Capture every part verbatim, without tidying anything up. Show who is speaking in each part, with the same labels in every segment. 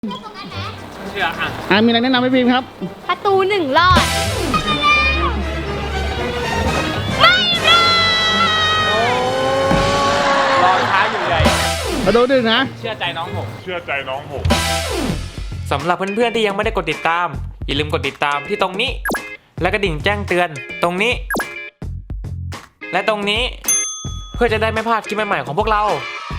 Speaker 1: เชื่ออ่ะ
Speaker 2: อ่ามีอะไรแนะนำให้พิมพ์ครับ
Speaker 3: ประตูหนึ่งรอดไม่รอด
Speaker 1: รอช้าอยู่ใหญ่
Speaker 2: ประตูหนึ่งนะ
Speaker 1: เชื่อใจน้องผม
Speaker 4: เชื่อใจน้องผม
Speaker 1: สำหรับเพื่อนๆที่ยังไม่ได้กดติดตามอย่าลืมกดติดตามที่ตรงนี้และกระดิ่งแจ้งเตือนตรงนี้ และตรงนี้เพื่อจะได้ไม่พลาดคลิปใหม่ๆของพวกเรา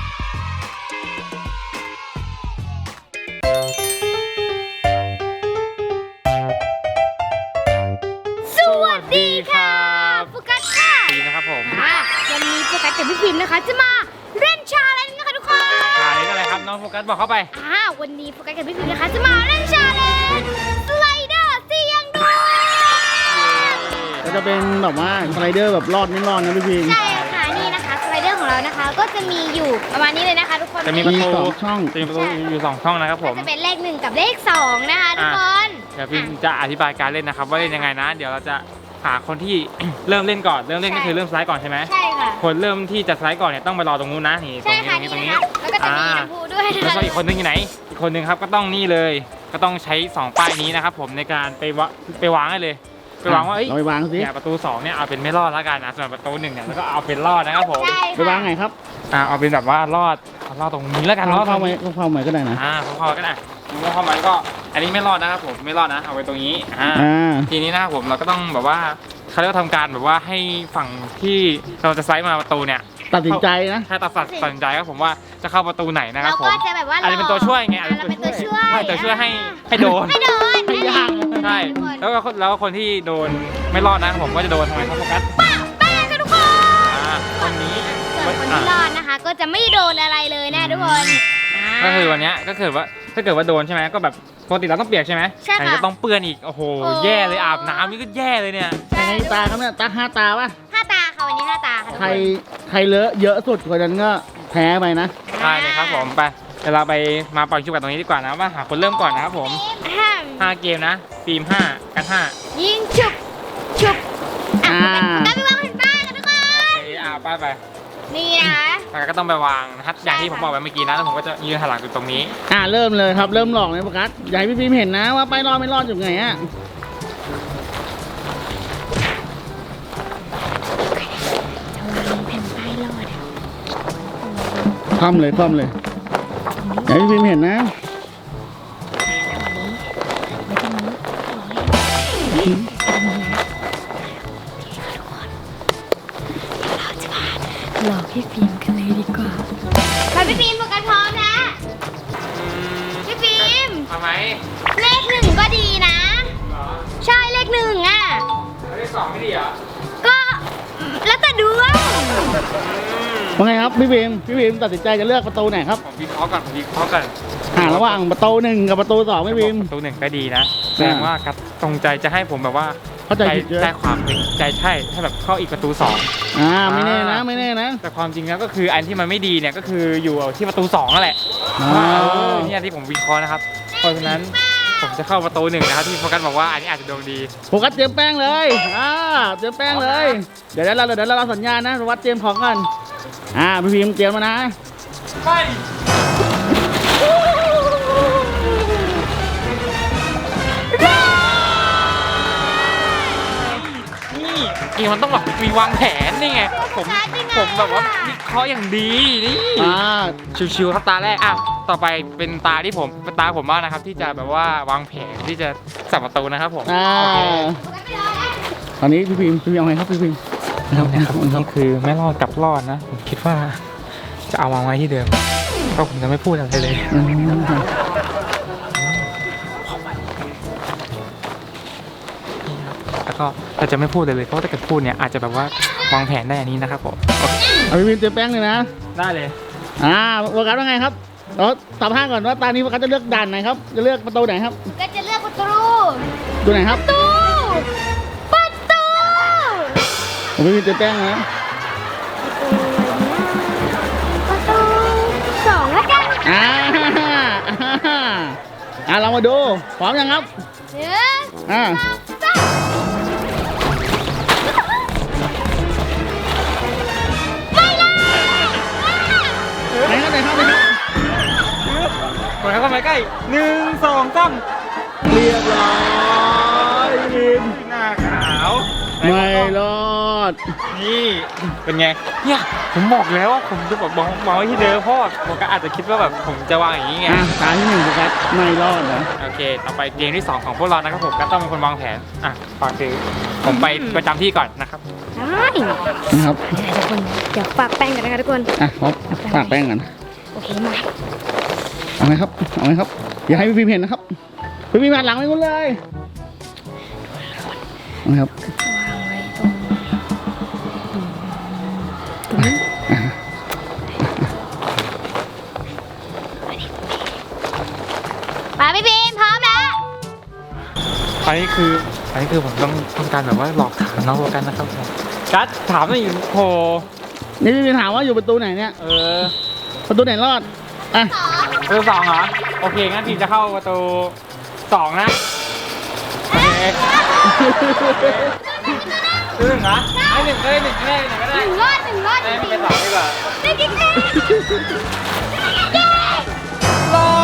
Speaker 3: สวัสดีค่ะโฟกัสค่ะ
Speaker 1: ดีนะครับผม
Speaker 3: วันนี้โฟกัสกับพี่พิมพ์นะคะจะมาเล่นชาเลนจ์นะคะทุกคน
Speaker 1: ชาเลนจ์อะไรครับน้องโฟกัสบอกเข้าไป
Speaker 3: อ่าวันนี้โฟกัสกับพี่พิมพ์นะคะจะมาเล่นชาเลนจ์สไลเดอร์เสี่ยงดวง
Speaker 2: ก็จะเป็นแบบว่าสไลเดอร์แบบรอดไม่รอดนะพี่พิมพ์
Speaker 3: ใช่ค่ะนี่นะคะสไลเดอร์ของเรานะคะก็จะมีอยู่ประมาณนี้เลยนะคะทุกคน
Speaker 1: จะมีประตู
Speaker 2: สองช่อง
Speaker 1: จะมีประตูอยู่สองช่องนะครับผม
Speaker 3: จะเป็นเลขหนึ่งกับเลขสองนะคะทุกคน
Speaker 1: เดี๋ยวพี่จะอธิบายการเล่นนะครับว่าเล่นยังไงนะเดี๋ยวเราจะหาคนที่เริ่มเล่นก่อนเริ่มเล่นก็คือเริ่มสไลด์ก่อนใช่ไหม
Speaker 3: ใช่ค่ะ
Speaker 1: คนเริ่มที่จะสไลด์ก่อนเนี่ยต้องไปรอตรงนู้นนะนี่ตรงนี้ตรงนี้
Speaker 3: แล้วก็จะมีน้ำพุด้วย
Speaker 1: แล้วก็อีกคนนึงอยู่ไหนอีกคนนึงครับก็ต้องนี่เลยก็ต้องใช้สองป้ายนี้นะครับผมในการไปวะไปวางได้เลยไปวางว่าเอ้ย
Speaker 2: ไปวางสิ
Speaker 1: เนี่ยประตูสองเนี่ยเอาเป็นไม่รอดแล้วกันนะส่วนประตูหนึ่งเนี่ยแล้วก็เอาเป็นรอดนะครับผม
Speaker 2: ไปวางไงครับ
Speaker 1: อ่าเอาเป็นแบบว่ารอดรอดตรงนี้แล้วกันรอด
Speaker 2: เข้าไปเข้าไปก็ได้นะ
Speaker 1: อ่าเข้าไปก็ได้เข้าไปก็อันนี้ไม่รอดนะครับผมไม่รอดนะเอาไว้ตรงนี้อ่าทีนี้นะครับผมเราก็ต้องแบบว่าเขาเรียกว่าทำการแบบว่าให้ฝั่งที่เราจะไซส์มาประตูเนี่ย
Speaker 2: ตัดสินใจนะ
Speaker 1: ถ้าตัดตัดสินใจครับผมว่าจะเข้าประตูไหนนะครับผมอาจจะเป็นตัวช่วยไงอาจจะเป็นตัวช่วยใช่ตัวช่วยให้ให้โดน
Speaker 3: ให้โดน
Speaker 2: ให้ยาก
Speaker 1: ใช่แล้วก็แล้วคนที่โดนไม่รอดนะผมก็จะโดนทำไมครับโฟกัส
Speaker 3: ป้าป้าค่ะทุกคน
Speaker 1: อ่าตรงนี้
Speaker 3: ส่วนคนที่รอดนะคะก็จะไม่โดนอะไรเลยนะทุกคน
Speaker 1: ก็คือวันนี้ก็คือว่าถ้าเกิดว่าโดนใช่ไหมก็แบบปกติเราต้องเปียกใช่ไหม
Speaker 3: ใช่ค่ะ
Speaker 1: ก็ต้องเปื้อนอีกโอ้โหแย่เลยอาบน้ำนี่ก็แย่เลยเนี่ย
Speaker 2: ใช่ตาครับเนี่ยตาห้าตาป่ะ
Speaker 3: ห้าตาค่ะวันนี้ห้าตาค่ะ
Speaker 2: ใครใครเลอะเยอะสุดคนนั้นก็แพ้ไปนะ
Speaker 1: ใช่เลยครับผมไปเดี๋ยวเราไปมาปล่อยชุบกันตรงนี้ดีกว่านะว่าหาคนเริ่มก่อนนะครับผมห้าเกมนะฟิล์มห้ากันห้า
Speaker 3: ยิงฉุบฉุบอ่าไปวางแผ่นป้ายกันทุกคน
Speaker 1: อ่าป้ายไป
Speaker 3: นี่นะคะ
Speaker 1: แล้วก็ต้องไปวางนะครับอย่างที่ผมบอกไปเมื่อกี้นะแล้วผมก็จะยืนหันหลังอยู่ตรงนี้
Speaker 2: อ่าเริ่มเลยครับเริ่มหลอกเลยโฟกัสอย่าให้พี่พิมเห็นนะว่าไปรอดไม่รอดอยู่ไงอ่ะคว่ำเลยคว่ำเลยอย่าให้พี่พิมเห็นนะ
Speaker 3: หลอกพี่ฟิล์มกันเลยดีกว่าไปพี่ฟิล์มโฟกัสพร้อมนะพี่ฟิล์ม
Speaker 1: ทำไม
Speaker 3: เลขหนึ่งก็ดีนะใช่เลขหนึ่งอ่ะ
Speaker 1: เลขสองไม่ดีเหรอ
Speaker 3: ก็แล้วแต่ดวง
Speaker 2: ว่าไงครับพี่ฟิล์มพี่ฟิล์มตัดสินใจจะเลือกประตูไหนครับ
Speaker 1: ผมวิเคราะห์ก่อนผมวิเคราะห์ก่อน
Speaker 2: อ่าระหว่างประตูหนึ่งกับประตูสองพี่ฟิล์ม
Speaker 1: ประตูหนึ่งก็ดีนะแสดงว่ากัดตรงใจจะให้ผมแบบว่า
Speaker 2: เข้าใจผิด
Speaker 1: ใจความใจใช่ถ้าแบบเข้าอีกประตูสอง
Speaker 2: อ่าไม่แน่นะไม่แน่นะ
Speaker 1: แต่ความจริงแล้วก็คืออันที่มันไม่ดีเนี่ยก็คืออยู่ที่ประตูสองนั่นแหละนี่ที่ผมวิเคราะห์นะครับเพราะฉะนั้นผมจะเข้าประตูหนึ่งนะครับที่โฟกัสบอกว่าอันนี้อาจจะดวงดี
Speaker 2: โฟกัสเตรียมแป้งเลยอ่าเตรียมแป้งเลยเดี๋ยวเราเดี๋ยวเราสัญญาณนะวัดเตรียมของกันอ่าพี่พิมเตรียมมานะ
Speaker 1: ไปนี่มันต้องแบบมีวางแผนนี่ไงผมผมแบบว่าวิเคราะห์อย่างดีนี่ชิวๆครับตาแรกอ่ะต่อไปเป็นตาที่ผมเป็นตาผมบ้างนะครับที่จะแบบว่าวางแผนที่จะสับประตูนะครับผม
Speaker 2: ตอนนี้พี่พิมพี่พิมเอาไงครับพี่พิม
Speaker 1: นะครับนี่คือไม่รอดกับรอดนะผมคิดว่าจะเอาวางไว้ที่เดิมเพราะผมจะไม่พูดอะไรเลยแล้วก็เราจะไม่พูดเลยเลยเพราะถ้าเกิดพูดเนี่ยอาจจะแบบว่าวางแผนได้อันนี้นะครับผม
Speaker 2: เอาพี่พิมเตรียมแป้งเลยนะ
Speaker 1: ได้เลย
Speaker 2: อ่าโฟกัสว่าไงครับเราตอบห้าก่อนว่าตอนนี้โฟกัสจะเลือกด่านไหนครับจะเลือกประตูไหนครับ
Speaker 3: ก็จะเลือกประตู
Speaker 2: ดูไหนครับ
Speaker 3: ประตูประตู
Speaker 2: ผมพี่พิมเตรียมแป้งนะ
Speaker 3: ประตูสองแล้วกัน
Speaker 2: อ่าอ่าเรามาดูพร้อมยังครับ
Speaker 3: หนึ่ง
Speaker 2: อ่าไหนครับไหนครับไหนครับ
Speaker 1: กดเข้ามาใกล้หนึ่งสองสาม
Speaker 2: เรียบร้อยพี่พิม
Speaker 1: หน้าขาว
Speaker 2: ไม่รอด
Speaker 1: นี่เป็นไงเนี่ยผมบอกแล้วว่าผมจะบอกมองไว้ที่เดิมเพราะผมก็อาจจะคิดว่าแบบผมจะวางอย่างนี้ไง
Speaker 2: อ่ะตาที่หนึ่งโฟกัสไม่รอดนะ
Speaker 1: โอเคต่อไปเกมที่สองของพวกเรานะครับผมก็ต้องเป็นคนวางแผนอ่ะฝากคือผมไปประจำที่ก่อนนะครับ
Speaker 3: ได้
Speaker 2: นะครับ
Speaker 3: ทุกคนเดี๋ยวฝากแป้งกันนะคะทุกคน
Speaker 2: อ่ะพบฝากแป้งกัน
Speaker 3: โอเคมา
Speaker 2: เอาไหมครับเอาไหมครับอย่าให้พี่พิมเห็นนะครับพี่พิมหันหลังไปหมดเลยเอาไหมครับ
Speaker 3: วางไว้ตรงตรงนี้มาพี่บีมพร้อมแล้ว
Speaker 1: อันนี้คืออันนี้คือผมต้องต้องการแบบว่าหลอกถามน้องโฟกันนะครับผมกัสถามหน่อยโห
Speaker 2: นี่พี่พิมถามว่าอยู่ประตูไหนเนี่ย
Speaker 1: เออ
Speaker 2: ประตูไหนรอดอ่ะ
Speaker 1: ประตูสองเหรอโอเคงั้นพี่จะเข้าประตูสองนะโอเคคือหนึ่งเหรอไอ้หนึ่งเอ้ยหนึ่งก็ได้หนึ่งก็
Speaker 3: ห
Speaker 1: ได้
Speaker 3: นึ่งรอดหนึ่งรอดจ
Speaker 1: ได้
Speaker 3: ริง
Speaker 1: เป็นสองดีกว่า
Speaker 3: ๆได้กิ๊กเก้
Speaker 1: รอ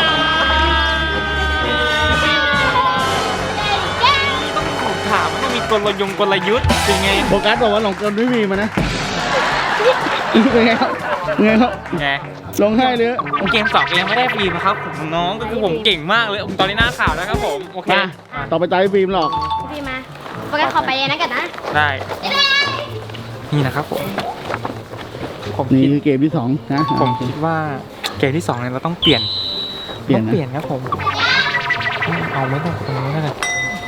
Speaker 1: ต้องถูกถามมันต้องมีกลยงกลยุทธ์เป็นไง
Speaker 2: โฟกัสบอกว่าหลงกลพี่พิมมานะเป็นไงครับเป็นไงครับ
Speaker 1: ไง
Speaker 2: ลงให้เลย
Speaker 1: เกมสองยังไม่ได้ฟรีนะครับผมน้องก็คือผมเก่งมากเลยผมตอนนี้หน้าข่าวแล้วครับผมโอเค
Speaker 2: มาต่อไปตาพี่พิมหรอก
Speaker 3: พี่บีมมาโฟกัสขอไปเลยนะกันนะ
Speaker 1: ได้นี่นะครับผมผม
Speaker 2: นี่
Speaker 1: คิด
Speaker 2: คือเกมที่สองนะ
Speaker 1: ผมคิดว่าเกมที่สองเนี่ยเราต้องเปลี่ยน
Speaker 2: เปลี่ยน
Speaker 1: ต้อง
Speaker 2: นะ
Speaker 1: เปลี่ยนครับผมเอาไม่ต้องตรงนี้แล้วกัน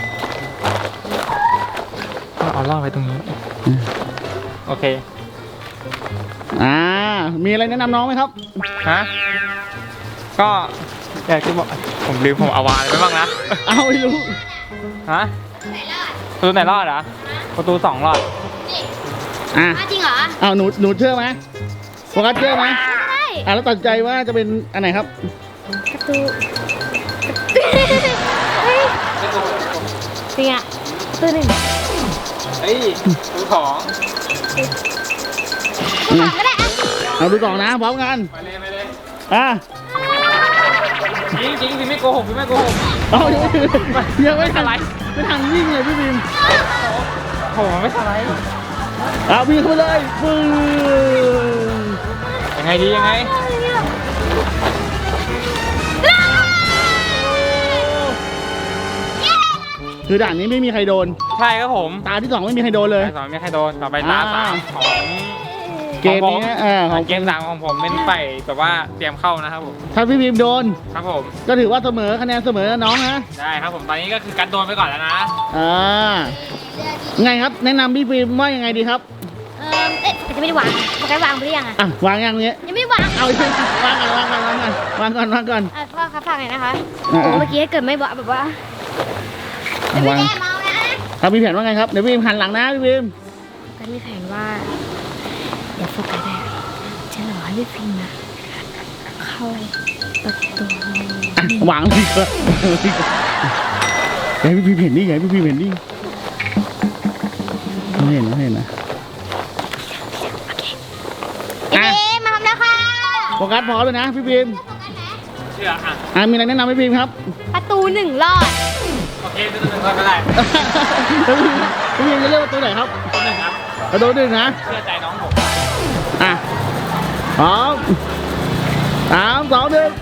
Speaker 1: ก็เอาล่อไปตรงนี้โอเค
Speaker 2: อ่ามีอะไรแนะนำน้องไหมครับ
Speaker 1: ฮะก็อยากจะบอกผมลืมผมเอาวางอะไรไปบ้างนะ
Speaker 2: เอาไม่รู้
Speaker 1: ฮะประตูไหนรอดเหรอประตูสองรอด
Speaker 2: อ่ะ
Speaker 3: อ้าวจริงเหรอ
Speaker 2: เอาหนูหนูเชื่อไหมโฟกัสเชื่อไหม
Speaker 3: ใช่
Speaker 2: อ่ะแล้วตัดสินใจว่าจะเป็นอันไหนครับ
Speaker 3: ประตูเฮ้ยจริงอ่ะประตูหนึ่ง
Speaker 1: เฮ้ยประตูสอง
Speaker 3: ประตูสองก็ได้อ่ะ
Speaker 2: เอาดูก่อนนะพร้อมกัน
Speaker 1: ไปเลยไปเลย
Speaker 2: อ่ะ
Speaker 1: จริงจริงพี่ไม่โกหกพี่ไม่โกหก
Speaker 2: เอายังไม่ยังไม่ทัน
Speaker 1: อะไร
Speaker 2: ไม่ทันวิ่งเลยพี่บิม
Speaker 1: โหมันไม่สไลด์
Speaker 2: เอาวิ่งเข้าไปเลยปึ้ง
Speaker 1: ยังไงดียังไง
Speaker 2: คือด่านนี้ไม่มีใครโดน
Speaker 1: ใช่ครับผม
Speaker 2: ตาที่สองไม่มีใครโดนเลย
Speaker 1: ตาสองไม่มีใครโดนต่อไปตาสามของ
Speaker 2: เกมนี้เออของ
Speaker 1: เกมสามของผมเป็นไปแบบว่าเตรียมเข้านะครับผม
Speaker 2: ถ้าพี่บิมโดน
Speaker 1: ครับผม
Speaker 2: ก็ถือว่าเสมอคะแนนเสมอนะน้องนะ
Speaker 1: ได้ครับผมตอนนี้ก็คือการโดนไปก่อนแล้วนะ
Speaker 2: อ่าไงครับ แนะนำพี่บิมว่ายังไงดีครับ
Speaker 3: เออเอ๊ะแต่จะไม่ได้วางโฟกัสวางไปหรือยังอ่ะ
Speaker 2: อ่ะวางอย่างนี้
Speaker 3: ยังไม่ได้วาง
Speaker 2: เอาอีกวางก่อนวางก่อนวางก่อนวางก่อนวางก่อน
Speaker 3: อ่ะพ่อครับฟังหน่อยนะคะ
Speaker 2: อ่า
Speaker 3: โอ้เมื่อกี้ถ้าเกิดไม่บอกแบบว่า
Speaker 2: อ่ะวาง
Speaker 3: แม่เมานะ
Speaker 2: ครับมีแผนว่าไงครับเดี๋ยวพี่บิมหันหลังนะพี่บิม
Speaker 3: โฟกัสมีแผนว่าเดี๋ยวโฟกัสอะจะรอให้พี่ฟิล์มอะเข้าประตู
Speaker 2: อ่ะวางเลยครับอย่าให้พี่บิมเห็นดิอย่าให้พี่บิมเห็นดิไม่เห็นไม่เห็นนะ
Speaker 3: พี่ฟิล์มมาทำแล้วค่ะ
Speaker 2: โฟกัสพร้อมเลยนะพี่บิม
Speaker 1: เชื่ออ่ะ
Speaker 2: อ่ะมีอะไรแนะนำให้พี่บิมครับ
Speaker 3: ประตูหนึ่งรอด
Speaker 1: โอเคตัวหนึ่งก็ได้
Speaker 2: พี่บิมจะเลือกประตูไหนครับ
Speaker 1: ตัวหนึ่งครับ
Speaker 2: ประตูหนึ่งนะ
Speaker 1: เชื่อใจน้องผม
Speaker 2: อ่ะพร้อมสามสองหนึ่งไป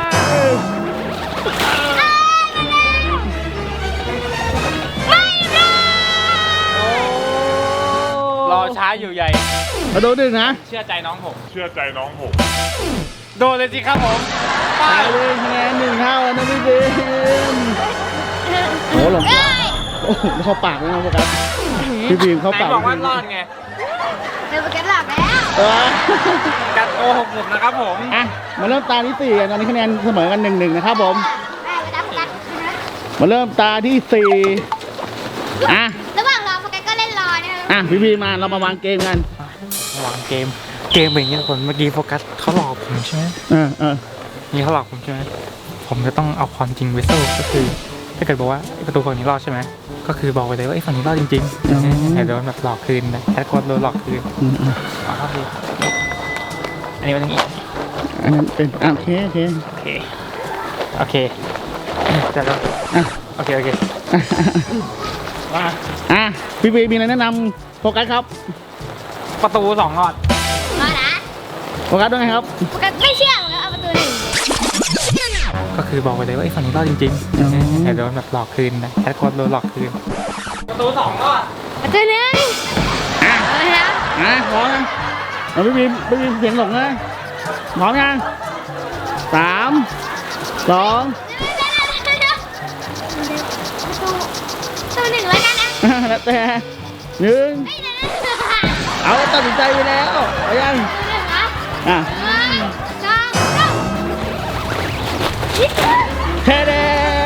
Speaker 1: รอช้าอยู่ใหญ่
Speaker 2: ประตูหนึ่งนะ
Speaker 1: เชื่อใจน้องผม
Speaker 4: เชื่อใจน้องผม
Speaker 1: โดนเลยสิครับผมไป
Speaker 2: ไปเลยคะแนนหนึ่งเท่านะพี่บิมโอ้หลงโอ้โหเข้าปากเลยนะโฟกัสพี่บิมเข้า
Speaker 1: ไหน
Speaker 2: ปาก
Speaker 1: บอกว่ารอดไง
Speaker 3: เดี๋ยวโฟกัสหลับแล้ว
Speaker 2: เออ
Speaker 1: การโกหกผมนะครับผม
Speaker 2: อ่ะมาเริ่มตาที่สี่กันตอนนี้คะแนนเสมอกันหนึ่งหนึ่งนะครับผม
Speaker 3: แม่ไปรับโฟกัส
Speaker 2: มาเริ่มตาที่สี่อ่ะ
Speaker 3: ระหว่างรอโฟกัสก็เล่นรอนะคะ
Speaker 2: อ่ะพี่บีมาเรามาวางเกมกัน
Speaker 1: ระหว่างเกม เกมเป็นอย่างนี้ทุกคนเมื่อกี้โฟกัสเขาหลอกผมใช่ไหม
Speaker 2: เออเออ
Speaker 1: นี่เขาหลอกผมใช่ไหมผมจะต้องเอาความจริงไปสู้ก็คือ ถ้าเกิดบอกว่าไอ้ประตูฝั่งนี้รอดใช่ไหมก็คือบอกไปเลยว่าไอ้ฝั่งนี้รอดจริงๆอย่าโดนแบบหลอกคืนนะแค่คนโดนหลอกคืน
Speaker 2: อืมอืม
Speaker 1: เอาเข้าดูอันนี้มันอย่างนี้
Speaker 2: อันนั้นเป็นอ่ะโอเคโอเค
Speaker 1: โอเคโอเคจะแล้ว
Speaker 2: อ่ะ
Speaker 1: โอเคโอเคมา
Speaker 2: อ่ะพี่บีมีอะไรแนะนำโฟกัสครับ
Speaker 1: ประตูสองหลอด
Speaker 3: มานะ
Speaker 2: โฟกัสด้วยไงครับ
Speaker 3: ปกติไม่เชื่อแล้วเอาประตูหนึ่ง
Speaker 1: ก็คือบอกไปเลยว่าไอ้ฝั่งนี้รอดจริง
Speaker 2: อ๋อ
Speaker 1: ๆแต่โดนแบบหลอกคืนนะแคทโคตรโดนหลอกคืนประตูสองหลอด
Speaker 3: ประตูหนึ่ง
Speaker 2: อ่ะ
Speaker 3: เอาเลยนะ
Speaker 2: อ่ะพร้อมนะเอาพี่บีพี่บีเสียงหลงนะพร้อมยังสามสอง
Speaker 3: ประตูหนึ่งแล้วกันนะ
Speaker 2: อ่ะแล้วแต่หนึ่ง
Speaker 3: ไม่นะประตู
Speaker 2: เอาตัดสินใจไปแล้วเอายัง
Speaker 3: หนึ่งนะ
Speaker 2: อ่ะ
Speaker 3: หนึ่งสองสาม
Speaker 2: เทเด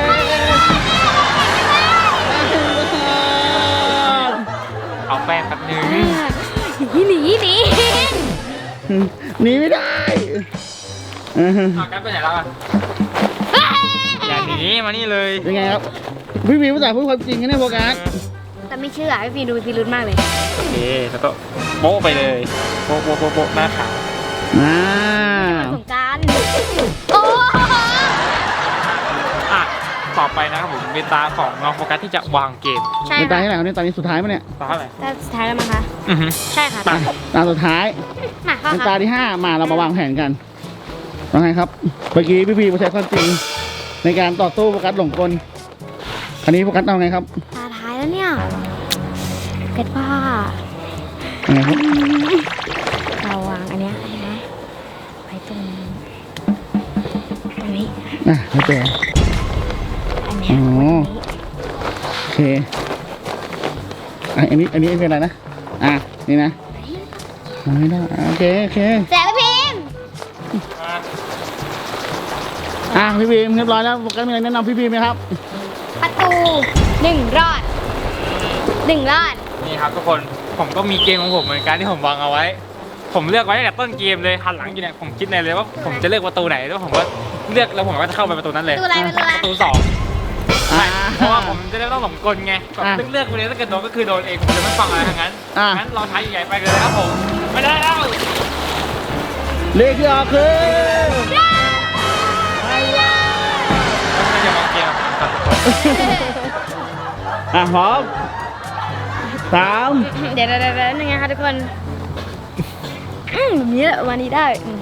Speaker 1: เอาแป้งแป๊บนึง
Speaker 3: หนีหนีหนี
Speaker 2: หนีไม่ได้อ่ะ
Speaker 1: เอากันไปไหนแล้วอ่ะอย่าหนีมานี่เลย
Speaker 2: ยังไงครับพี่บีภาษาพูดความจริงกันเนี่ยโฟกัส
Speaker 3: แต่ไม่เชื่อพี่ฟีดูพิรุธมากเลย
Speaker 1: โอเคแล้วก็โป๊ะไปเลยโป๊ะโป๊ะโป๊ะโป๊ะหน้าขาว
Speaker 2: อ่า
Speaker 3: สงกรารโอ้
Speaker 1: อ่ะต่อไปนะครับผมเป็นตาของน้องโฟกัสที่จะวางเกม
Speaker 3: ใช่
Speaker 2: เป็นตา
Speaker 3: ค่ะ
Speaker 2: ที่ไหนครับเนี่ยตานี้สุดท้ายปะเนี่ย
Speaker 1: ตาเท่าไหร่
Speaker 3: แต่สุดท้ายแล้วมั้งคะ
Speaker 1: อือฮึ
Speaker 3: ใช่ค่ะ
Speaker 1: ไป
Speaker 2: ตาสุดท้าย
Speaker 3: มาเข้า
Speaker 2: เป็น
Speaker 3: ค่ะ
Speaker 2: ตาที่ห้ามาเรามาวางแผนกันว่าไงครับเมื่อกี้พี่บีมาใช้ความจริงในการต่อสู้โฟกัสหลงกลคราวนี้โฟกัสเอาไงครับ
Speaker 3: ตาท้ายแล้วเนี่ยเกิดว่า
Speaker 2: เอาไงครับ
Speaker 3: เราวางอันเนี้ยนะไว้ตรงตรงนี้
Speaker 2: อ่ะแล้วแต่
Speaker 3: อันเนี้ย
Speaker 2: อ๋อ
Speaker 3: ไว้ตรงนี้
Speaker 2: โอเคอ่ะอันนี้อันนี้เป็นอะไรนะอ่ะนี่นะเอาไม่ได้อ่ะโอเคโอเค
Speaker 3: แสบพิมพ์
Speaker 1: มา
Speaker 2: อ่ะพี่บีมเรียบร้อยแล้วโฟกัสมีอะไรแนะนำพี่บีมไหมครับ
Speaker 3: ประตูหนึ่งรอดหนึ่งรอด
Speaker 1: นี่ครับทุกคนผมก็มีเกมของผมเหมือนกันที่ผมวางเอาไว้ ผมเลือกไว้ตั้งแต่ต้นเกมเลยหันหลังอยู่เนี่ยผมคิดในเลยว่าผมจะเลือกประตูไหนแล้วผมก็เลือกแล้วผมก็จะเข้าไปประตูนั้นเลย
Speaker 3: ประตูอะไรประตูอะไร
Speaker 1: ประตูสอง
Speaker 2: อ่า
Speaker 1: เพราะว่าผมจะได้ไม่ต้องหลงกลไงแบบ
Speaker 2: อ่ะ
Speaker 1: เลือกไปเลยถ้าเกิดโดนก็คือโดนเองผมจะไม่ฟังอะไรทั้งนั้น
Speaker 2: อ่ะ
Speaker 1: งั้นเราท้ายใหญ่ไปกันเลยครับผมไม่ได้แล้ว
Speaker 2: เลขที่ออกคือ
Speaker 1: ไม่จะมองเกมกับทุกคน
Speaker 2: อ่ะพร้อมสาม
Speaker 3: เดี๋ยวเดี๋ยวเดี๋ยวนึงนะคะทุกคนอืมแบบนี้แหละวันนี้ได้อืม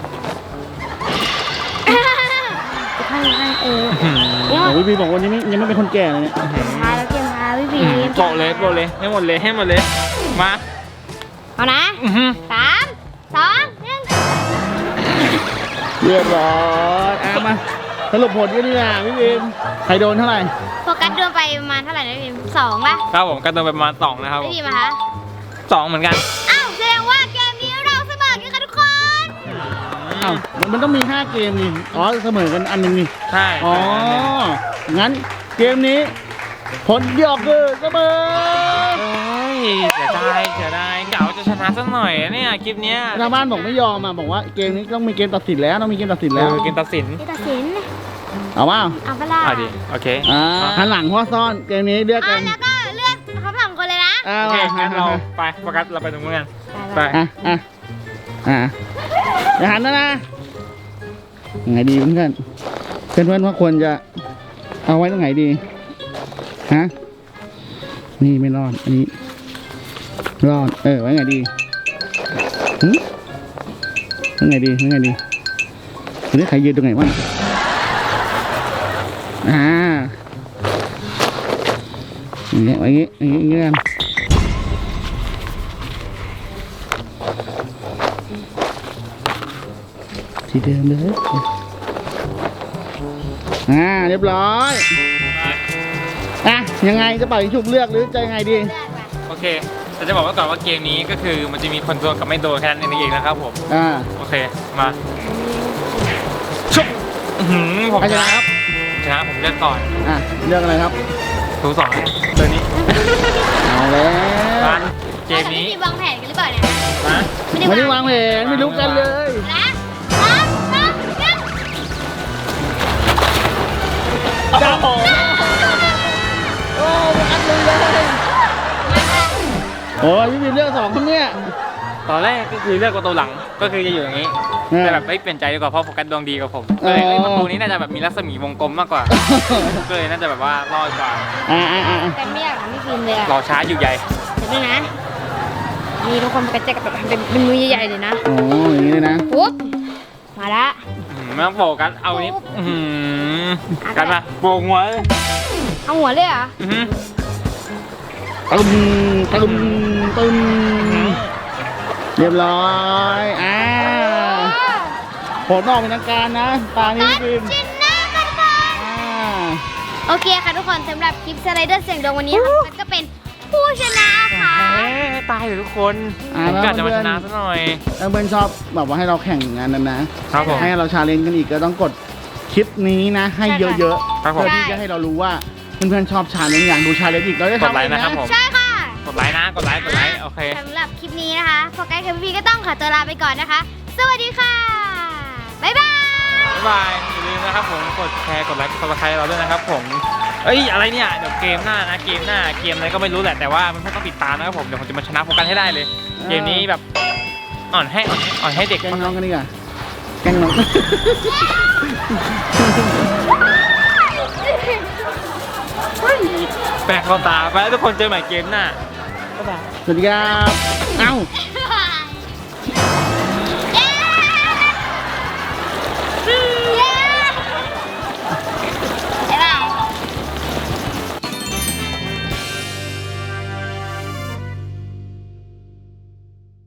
Speaker 3: จะข้างข้างเออ
Speaker 2: โอ้พี่บีบอกวันนี้ไม่ยังไม่เป็นคนแก่เลยเนี่ย
Speaker 3: ทายแล้วเกมทายพี่บี
Speaker 1: โปะเลยโปะเลยให้หมดเลยให้หมดเลยมา
Speaker 3: เอานะ
Speaker 1: อื้อหือ
Speaker 3: สามสองหนึ่ง
Speaker 2: เรียบร้อยอ่ะมาสรุปผลกันดีกว่าพี่บีมใครโดนเท่าไหร่
Speaker 3: โฟกัสโดนไปประมาณเท่าไหร่นะพี่บีสองป่ะ
Speaker 1: ครับผมกันตัวไปประมาณสองนะครับ
Speaker 3: พี่บีมาคะ
Speaker 1: สองเหมือนกัน
Speaker 3: อ้าวแสดงว่าเกมนี้เราเสมอกันค่ะทุกคน
Speaker 2: อ้าวมันมันต้องมีห้าเกมนี่อ๋อเสมอกันอันหนึ่งนี่
Speaker 1: ใช่
Speaker 2: อ๋องั้นเกมนี้ ผลที่ออกคือเสมอ
Speaker 1: เฮ้ยเสียดายเสียดายเก๋าจะชนะสักหน่อยอะเนี่ยคลิปเนี้ย
Speaker 2: ทางบ้านบอกไม่ยอมอ่ะบอกว่าเกมนี้ต้องมีเกมตัดสินแล้วต้องมีเกมตัดสิน
Speaker 1: เอ
Speaker 2: แล้ว
Speaker 1: อเกมตัดสิน
Speaker 3: นี่ตัดสิน
Speaker 2: เอาว่า
Speaker 3: เอาเปะล่า
Speaker 1: อ่ะดิโอเค
Speaker 2: อ่าหันหลังพ่อซ่อนเกมนี้เลือก
Speaker 3: อ่ะ
Speaker 2: กัน
Speaker 3: แล้วก็เลือกเขาสองคนเลยนะ
Speaker 2: อ่า
Speaker 1: โอเค
Speaker 2: มา
Speaker 1: งั้นเราไปโฟกัสเราไปตรงนู้นกันไป
Speaker 2: อ่ะอ่ะอ่ะอย่าหันนะนะยังไงดีเพื่อนเพื่อนเพื่อนว่าควรจะเอาไว้ตรงไหนดีฮะนี่ไม่รอดอันนี้รอดเออไว้ไงดีหืมไว้ไงดีไว้ไงดีทีนี้ใครยืนตรงไหนวะอ่าอย่างเงี้ยไว้อย่างงี้อย่างงี้อย่างงี้กันที่เดิมเลยอ่าเรียบร้อยอ่ะยังไงจะเป่ายิงฉุบเลือกหรือจะยังไงดี
Speaker 3: เลือกไป
Speaker 1: โอเคแต่จะบอกไว้ก่อนว่าเกมนี้ก็คือมันจะมีคนโดนกับไม่โดนแค่นั้นเองนะครับผม
Speaker 2: อ่า
Speaker 1: โอเคมาชุบอื้อหือผม
Speaker 2: ใคร
Speaker 1: ช
Speaker 2: ช
Speaker 1: นะ
Speaker 2: นะครับ
Speaker 1: ชนะผมเลือกก่อน
Speaker 2: อ่ะเลือกอะไรครับ
Speaker 1: ถูสองตัวนี้
Speaker 2: เอาแล้ว
Speaker 1: มาเกมนี้
Speaker 3: ราจะไวางแผนกันหรือเปล่าเนี่ย
Speaker 1: นะ
Speaker 2: ไม่ได้วางแผนไม่รู้กันเลย
Speaker 3: นะสามสองหนึ่ง
Speaker 2: จับโอ้โอ้อัดเลยเลยโอ้ยพี่บินเลือกสองคนเนี่ย
Speaker 1: ตอนแรกก็คือเลือกประตูหลังก็คือจะอยู่อย่างนี้แต่แบบไม่เปลี่ยนใจดีกว่าเพราะโฟกัสดวงดีกว่าผมเลยเอ้ยประตูนี้น่าจะแบบมีรัศมีวงกลมมากกว่าก็เลยน่าจะแบบว่ารอดกว่า
Speaker 2: อ่าอ่าอ่า
Speaker 3: แต่ไม่อยากทำพี่ฟิล์มเลยอะ
Speaker 1: รอช้าอยู่ใหญ่
Speaker 3: เดี๋ยวนะนี่ทุกคนกระเจกแบบเป็นเป็นมือใหญ่ๆเลยนะ
Speaker 2: โอ้อย่างนี้เลยนะ
Speaker 3: ปุ๊บมาละ
Speaker 1: อืมไม่ต้องโฟกัสเอานี้อื้อหือกันมาโบกหัวเลย
Speaker 3: เอาหัวเลยเหรอ่ะ
Speaker 1: อื้อหือ
Speaker 2: ตึมตึมตึมเรียบร้อยอ่าผลออกเป็นทางการนะตานี้พี่ฟิล์ม
Speaker 3: ชนะกันก่อน
Speaker 2: อ่า
Speaker 3: โอเคค่ะทุกคนสำหรับคลิปสไลเดอร์เสียงดวงวันนี้ค่ะมันก็เป็นผู้ชนะค่ะ
Speaker 1: เอ๊ะตายเลยทุกคนผมกะจะมาชนะซะหน่อย
Speaker 2: ถ้าเพื่อนชอบแบบว่าให้เราแข่งงานนั้นนะครับ
Speaker 1: ผม
Speaker 2: ให้เราชาเลนจ์กันอีกก็ต้องกดคลิปนี้นะ ให้เยอะๆ
Speaker 1: ครับผม
Speaker 2: เพื่อที่จะให้เรารู้ว่าเพื่อนๆชอบชาเลนจ์อยากดูชาเลนจ์อีกเราจะ
Speaker 1: กด
Speaker 2: ทำ
Speaker 1: ไล
Speaker 2: เอง
Speaker 1: ค์นะครับ
Speaker 2: นะ
Speaker 1: ผม
Speaker 3: ใช่ค่ะ
Speaker 1: กดไลค์นะกดไลค์กดไลค์โอเค
Speaker 3: สำหรับคลิปนี้นะคะโฟกัสกับพี่ก็ต้องขอตัวลาไปก่อนนะคะ สวัสดีค่ะ บ๊ายบาย
Speaker 1: บ๊ายบายอย่าลืมนะครับผมกดแชร์กดไลค์กดซับสไครต์เราด้วยนะครับผมเอ้ยอะไรเนี่ยเดี๋ยวเกมหน้านะเกมหน้าเกมอะไรก็ไม่รู้แหละแต่ว่ามันต้องติดตามนะครับผมเดี๋ยวผมจะมาชนะโฟกัสให้ได้เลย เกมนี้แบบอ่อนให้อ่อนให้อ่อนให้เด็ก
Speaker 2: แกล้งน้องกันดีกว่าแกล้งน้อง
Speaker 1: แปลกเข้าตาไปแล้วทุกคนเจอใหม่เกมหน้าบ๊ายบาย
Speaker 2: สวัสดีครับ เอ้า
Speaker 3: บ๊ายบาย